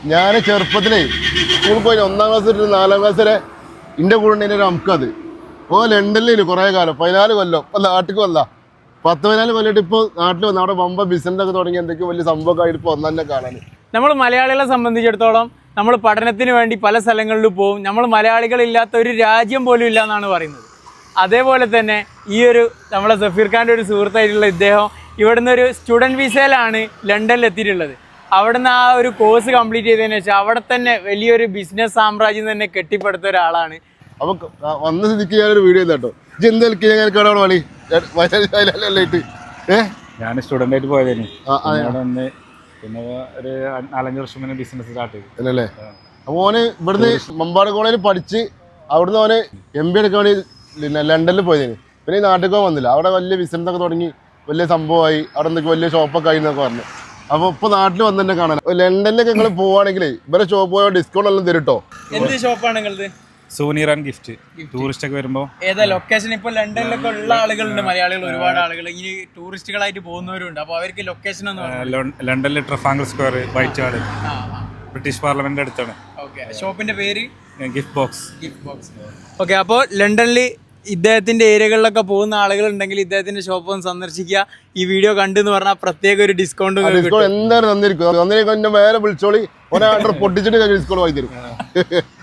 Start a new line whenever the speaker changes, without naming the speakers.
ഞാൻ ചെറുപ്പത്തിലേ സ്കൂളിൽ പോയി 1ാം ക്ലാസ് തൊട്ട് 4ാം ക്ലാസ് വരെ എൻ്റെ കൂടെ ഉണ്ടായിരുന്ന ഒരു അമുക്കത് ലണ്ടനിൽ കുറേ കാലം 14 കൊല്ലം ഇപ്പം നാട്ടിലേക്ക് വന്ന 10-14 കൊല്ലമായിട്ട് ഇപ്പോൾ നാട്ടിൽ വന്ന അവിടെ വമ്പ ബിസിനസ്സൊക്കെ തുടങ്ങി എന്തൊക്കെയോ വലിയ സംഭവമൊക്കെ ആയിട്ട് ഇപ്പോൾ ഒന്നെ കാണാൻ.
നമ്മൾ മലയാളികളെ സംബന്ധിച്ചിടത്തോളം നമ്മൾ പഠനത്തിന് വേണ്ടി പല സ്ഥലങ്ങളിലും പോകും. നമ്മൾ മലയാളികളില്ലാത്ത ഒരു രാജ്യം പോലും ഇല്ല എന്നാണ് പറയുന്നത്. അതേപോലെ തന്നെ ഈ ഒരു നമ്മളെ സഫീർ ഖാൻ്റെ ഒരു സുഹൃത്തായിട്ടുള്ള ഇദ്ദേഹം ഇവിടുന്ന് ഒരു സ്റ്റുഡൻറ്റ് വിസയിലാണ് ലണ്ടനിൽ എത്തിയിട്ടുള്ളത്. അവിടുന്ന് ആ ഒരു കോഴ്സ് കംപ്ലീറ്റ് ചെയ്തതിന് ശേഷം അവിടെ തന്നെ വലിയൊരു ബിസിനസ് സാമ്രാജ്യം തന്നെ കെട്ടിപ്പടുത്ത ഒരാളാണ്.
അപ്പോൾ വന്ന സ്ഥിതിക്ക് ഞാനൊരു വീഡിയോ കേട്ടോ എന്തെങ്കിലും
ഞാൻ സ്റ്റുഡൻ്റ് ആയിട്ട് പോയതായിരുന്നു. പിന്നെ ഒരു 4-5 വർഷം മുന്നേ ബിസിനസ് സ്റ്റാർട്ട് ചെയ്തു
അല്ലേ. അപ്പോൾ ഓന് ഇവിടുന്ന് മമ്പാട് കോളേജിൽ പഠിച്ച് അവിടുന്ന് ഓന് MBA എടുക്കാൻ വേണ്ടി ലണ്ടനിൽ പോയതിന്. പിന്നെ ഈ നാട്ടിൽ വന്നില്ല. അവിടെ വലിയ ബിസിനസ്സൊക്കെ തുടങ്ങി വലിയ സംഭവമായി. അവിടെ എന്തൊക്കെ വലിയ ഷോപ്പൊക്കെ ആയി എന്നൊക്കെ പറഞ്ഞു. അപ്പോൾ ഇപ്പോൾ നാട്ടിൽ വന്ന് തന്നെ കാണാൻ. ലണ്ടനിലൊക്കെ നിങ്ങൾ പോവുകയാണെങ്കിൽ ഇവരെ ഷോപ്പ് പോയാൽ ഡിസ്കൗണ്ട് എല്ലാം തരും കേട്ടോ.
എന്ത് ഷോപ്പാണ് നിങ്ങളത്?
Souvenir and gift. ടൂറിസ്റ്റ് ഒക്കെ വരുമ്പോൾ
ഏതാ ലൊക്കേഷൻ? ഇപ്പോൾ ലണ്ടനിലൊക്കെ ഉള്ള ആളുകളുണ്ട്, മലയാളികൾ ഒരുപാട് ആളുകൾ ഇനി ടൂറിസ്റ്റുകളായിട്ട് പോകുന്നവരുണ്ട്. അപ്പോൾ അവർക്ക് ലൊക്കേഷൻ ഒന്ന്
ലണ്ടനിൽ Trafalgar Square, Whitehall, British Parliament അടുത്താണ്.
ഓക്കെ, ഷോപ്പിന്റെ പേര്
ഗിഫ്റ്റ് ബോക്സ്.
ഓക്കെ, അപ്പോൾ ലണ്ടനിൽ ഇദ്ദേഹത്തിന്റെ ഏരിയകളിലൊക്കെ പോകുന്ന ആളുകൾ ഉണ്ടെങ്കിൽ ഇദ്ദേഹത്തിന്റെ ഷോപ്പ് ഒന്ന് സന്ദർശിക്കുക. ഈ വീഡിയോ കണ്ടെന്ന് പറഞ്ഞാൽ പ്രത്യേക ഒരു ഡിസ്കൗണ്ട്
എന്തായാലും തന്നിരിക്കും. മേലെ വിളിച്ചോളി, ഒരാ പൊട്ടിച്ചിട്ട് ഡിസ്കൗണ്ട് വാങ്ങി തരും.